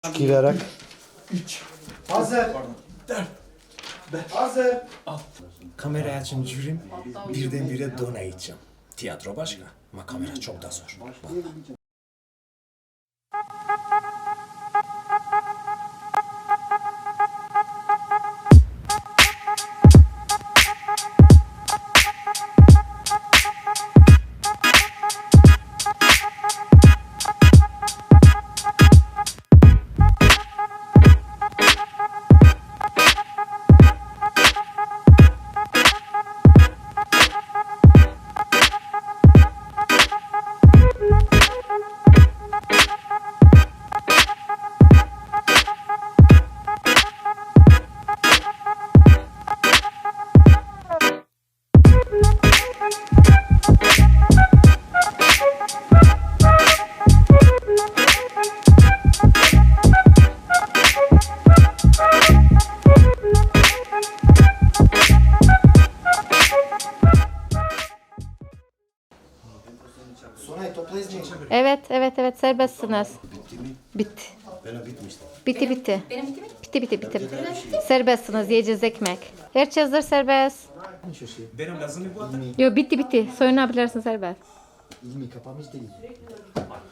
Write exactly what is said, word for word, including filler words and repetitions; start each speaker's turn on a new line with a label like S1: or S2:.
S1: Giderek.
S2: üç. Hazır. dört. Hazır.
S3: Kamera açın jürim birdenbire donayacağım. Tiyatro başka ama kamera çok da zor. Vallahi.
S1: Sonay toplayız mı?
S4: Evet, evet, evet serbestsiniz. Bitti.
S1: Benim bitmişti.
S4: Bitti, bitti.
S5: Benim bitti mi?
S4: Bitti, bitti, bitti. Serbestsiniz, yiyeceğiz ekmek. Herkesdir serbest.
S1: Şu şey.
S3: Benim lazım mı bu adam?
S4: Yo bitti, bitti. Soyunabilirsin serbest.
S1: İlmi kapamış değil.